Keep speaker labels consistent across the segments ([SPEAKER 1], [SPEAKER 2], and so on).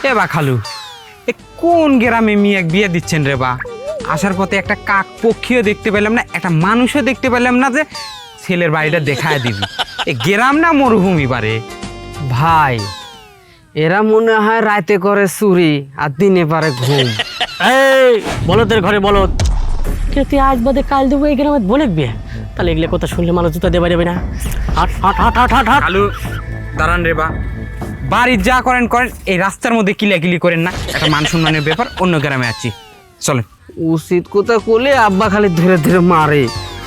[SPEAKER 1] এ বা খালু, এ কোন গ্রামে মেয়ে এক বিয়ে দিচ্ছেন রে বা? আসার পথে একটা কাক পক্ষীও দেখতে পেলাম না, একটা মানুষও দেখতে পেলাম না যে ছেলের বাড়িটা দেখায় দিবি। এ গ্রাম না মরুভূমি বারে?
[SPEAKER 2] ভাই, এরা মনে হয় রাতে করে চুরি আর দিনে পারে ঘুম।
[SPEAKER 3] এই বলদের ঘরে বলদ, কে তুই আজ বাদে কাল দেবো এই গ্রামে বলে বিয়ে? তাহলে এগুলো কথা শুনলে মানুষ জুতা দেবে দেবে না। হাট হাট হাট হাট হাট হাট।
[SPEAKER 1] খালু দাঁড়ান রে বা, বাড়ির যা করেন করেন, এই রাস্তার মধ্যে কিলাকিলি করেন না। একটা মান সম্মানের ব্যাপার, অন্য গ্রামে আছি, চলেন।
[SPEAKER 2] উচিত কথা করলে আব্বা খালি ধীরে ধীরে মারে।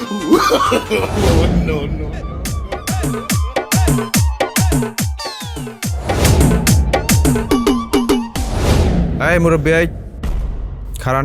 [SPEAKER 4] এই মুরব্বী, এই খারান,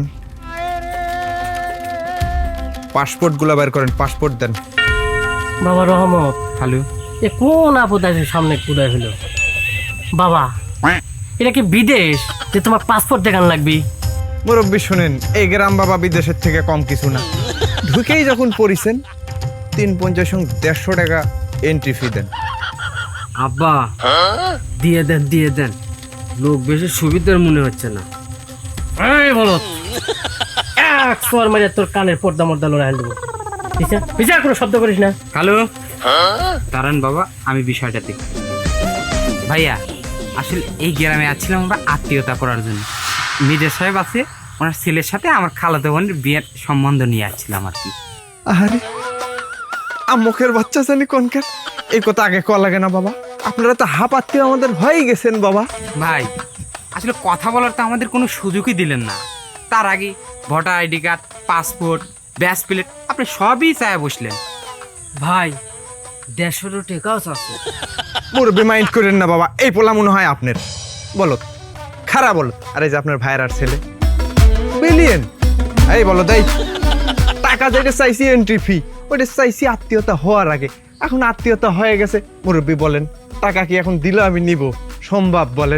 [SPEAKER 4] পাসপোর্ট গুলা বের করেন, পাসপোর্ট দেন।
[SPEAKER 3] বাবা রহমত,
[SPEAKER 1] খালু
[SPEAKER 3] এ কোন আপদ আছে সামনে কুদায় হলো? বাবা, এটা কি বিদেশ যে তোমার পাসপোর্ট দেখান লাগবে?
[SPEAKER 4] মুরব্বী শুনেন, এই গ্রাম বাবা বিদেশের থেকে কম কিছু না। ঢুকেই যখন পড়িছেন 350-150 টাকা এন্ট্রি ফি দেন।
[SPEAKER 2] আব্বা দিয়ে দেন, দিয়ে দেন, লোক বেশি সুবিধার মনে হচ্ছে না।
[SPEAKER 3] এই বলদ, এক সোয়ার মারে তোর কানের পর্দা মর্দা লড়াই দেবো। বিচার কোনো শব্দ করিস না।
[SPEAKER 1] খালু দাঁড়ান বাবা, আমি বিষয়টা দেখি। ভাইয়া, আসলে এই গ্রামে আসছিলাম আমরা আত্মীয়তা করার জন্য। মির্জা সাহেব আছে, ওনার ছেলের সাথে আমার খালাতো বোনের বিয়ের সম্বন্ধ নিয়ে আসছিলাম আর কি।
[SPEAKER 4] আরে মুখের বাচ্চা জানি কোনকার, এই কথা আগে কল লাগে না বাবা? আপনারা তো হাফ আত্মীয় আমাদের হয়ে গেছেন বাবা।
[SPEAKER 1] ভাই, আসলে কথা বলার তো আমাদের কোনো সুযোগই দিলেন না। তার আগে ভোটার আইডি কার্ড, পাসপোর্ট, ব্যাস প্লেট আপনি সবই চায় বসলেন।
[SPEAKER 2] ভাই, 150 টাকাও আছে।
[SPEAKER 4] মুরব্বী মাইন্ড করেন না বাবা, এই পোলা মনে হয় আপনার। বলো খারাপ, বলো। আরে যে আপনার ভাইয়ের আর ছেলে বিলিয়ন, এই বলো তাই টাকা যেটা চাইছি এন্ট্রি ফি, ওইটা চাইছি আত্মীয়তা হওয়ার আগে। এখন আত্মীয়তা হয়ে গেছে, মুরব্বী বলেন টাকা কি এখন দিলে আমি নিব সম্ভব? বলেন।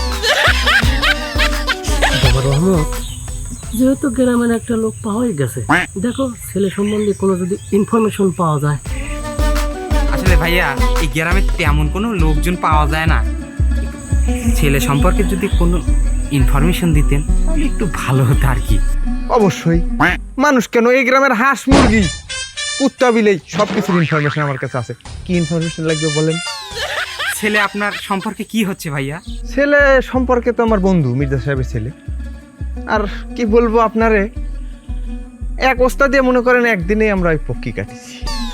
[SPEAKER 3] বাবা রহমত, যেহেতু গ্রামের একটা লোক পাওয়াই গেছে, দেখো ছেলে সম্বন্ধে কোনো যদি ইনফরমেশন পাওয়া যায়।
[SPEAKER 1] আসলে ভাইয়া, এই গ্রামে তেমন কোনো লোকজন পাওয়া যায় না। ছেলে সম্পর্কে যদি কোনো ইনফরমেশন দিতেন তাহলে একটু ভালো হতো আর কি।
[SPEAKER 4] অবশ্যই, মানুষ কেন, এই গ্রামের হাঁস মুরগি কুত্তা বিলেই সবকিছুর ইনফরমেশন আমার কাছে আছে। কি ইনফরমেশন লাগবে বলেন?
[SPEAKER 1] ছেলে আপনার সম্পর্কে কি হচ্ছে ভাইয়া?
[SPEAKER 4] ছেলে সম্পর্কে তো আমার বন্ধু মির্জা সাহেবের ছেলে। আর কি বলবো আপনারে, এক ওস্তাদ দিয়ে মনে করেন একদিনেই আমরা ওই পক্ষী কাটিছি।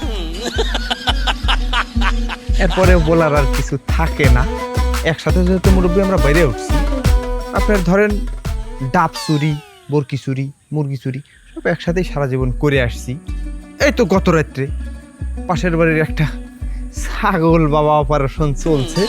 [SPEAKER 4] এরপরে বলার আর কিছু থাকে না। একসাথে যেহেতু মুরব্বী আমরা বাইরে উঠছি, আপনার ধরেন ডাব চুরি, বরকি চুরি, মুরগি চুরি সব একসাথেই সারা জীবন করে আসছি। এই তো গত রাত্রে পাশের বাড়ির একটা ছাগল বাবা অপারেশন চলছে,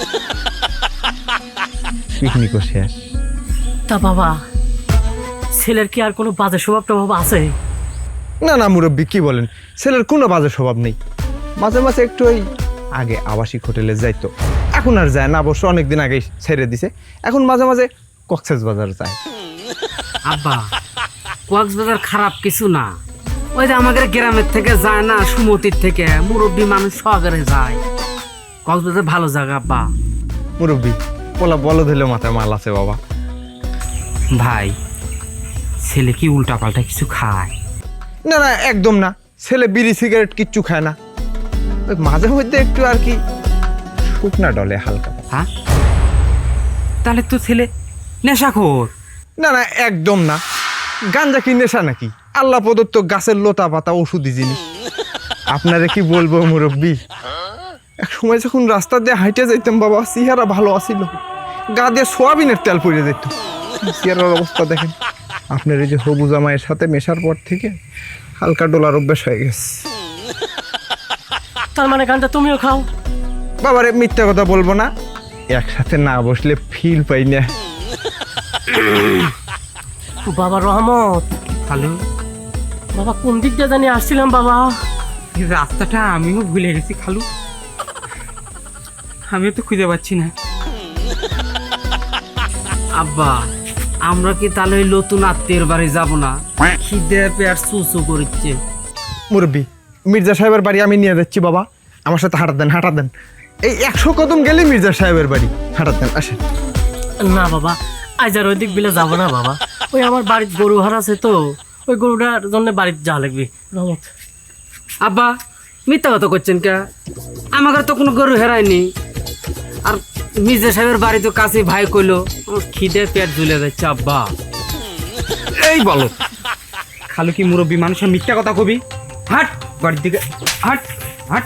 [SPEAKER 4] পিকনিকও শেষ।
[SPEAKER 3] তা বাবা, ছেলের কি আর কোনো বাজে স্বভাব টভাব আছে?
[SPEAKER 4] না না মুরব্বী, কি বলেন, ছেলের কোনো বাজে স্বভাব নেই। মাঝে মাঝে একটু ওই আগে আবাসিক হোটেলে যাইতো, এখন আর যায় না, অবশ্য অনেকদিন আগেই ছেড়ে দিছে। এখন মাঝে মাঝে কক্সবাজার যায়।
[SPEAKER 2] আব্বা, কক্সবাজার খারাপ কিছু না। ওই যে আমাদের গ্রামের থেকে যায় না, সুমতির থেকে মুরব্বী মানুষ শহরে যায়। কক্সবাজার ভালো জায়গা আব্বা।
[SPEAKER 4] মুরব্বী পোলা বলো দিলে মাথায় মাল আছে বাবা।
[SPEAKER 1] ভাই, ছেলে কি উল্টা পাল্টা কিছু খায়?
[SPEAKER 4] না না, একদম না। ছেলে বিড়ি সিগারেট কিচ্ছু খায় না, ওই মাঝে মধ্যে একটু আর কি শুকনা ডলে হালকা।
[SPEAKER 1] হ্যাঁ, তাহলে তো ছেলে নেশাখোর।
[SPEAKER 4] না না, একদম না। গাঞ্জা কি নেশা নাকি? আল্লাহ প্রদত্ত গাছের লতা পাতা ওষুধি জিনিস। আপনারে কি বলবো মুরব্বী, এক সময় যখন রাস্তা দিয়ে হাইটে যাইতাম বাবা, চেহারা ভালো আসিল, গা দিয়ে সোয়াবিনের তেল পড়ে যেত। চেহারার অবস্থা দেখেন। আপনার এই যে হবু জামাইয়ের সাথে মেশার পর থেকে হালকা ডোলার অভ্যাস হয়ে গেছে।
[SPEAKER 3] তার মানে গানটা তুমিও খাও?
[SPEAKER 4] বাবারে মিথ্যা কথা বলবো না, একসাথে না বসলে ফিল পাই না।
[SPEAKER 3] বাবা রহমত,
[SPEAKER 1] হ্যালো
[SPEAKER 3] বাবা কোন দিক দিয়ে জানি আসছিলাম বাবা?
[SPEAKER 1] এই রাস্তাটা আমিও ভুলে গেছি খালু, আমিও তো খুঁজে পাচ্ছি না।
[SPEAKER 2] আব্বা, আমরা কি তাহলে ওই নতুন আত্মীয়ের বাড়ি যাব না? খিদে পেয়ার চুচু করছে।
[SPEAKER 4] মুরব্বী, মির্জা সাহেবের বাড়ি আমি নিয়ে যাচ্ছি বাবা, আমার সাথে হাঁটা দেন, হাঁটা দেন। এই 100 কদম গেলে মির্জা সাহেবের বাড়ি, হাঁটা দেন, আসেন।
[SPEAKER 3] না বাবা, আজ আর ওই দিক বিলে যাবো না বাবা, ওই আমার বাড়ির গরু হার আছে তো, ওই গরুটার জন্য বাড়িতে যাওয়া লাগবে। রহমত,
[SPEAKER 2] আব্বা মিথ্যা কথা করছেন কে? আমাকে তো কোনো গরু হেরায়নি। আর মির্জা সাহেবের বাড়ি তো কাছে, ভাই কইলো আমার খিদে পেট ঝুলে যাচ্ছে আব্বা।
[SPEAKER 1] এই বলো, খালু কি মুরব্বী মানুষের মিথ্যা কথা কবি? হাট বাড়ির দিকে, হাট হাট।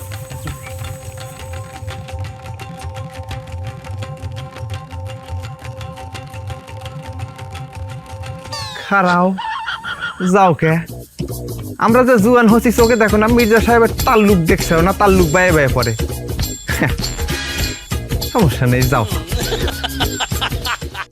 [SPEAKER 4] খারাও যাও কে, আমরা যে জুয়ান হচ্ছি চোখে দেখো না, মির্জা সাহেবের তাল্লুক দেখছে না, তাল্লুক বায়ে বায়ে পড়ে। সমস্যা নেই, যাও।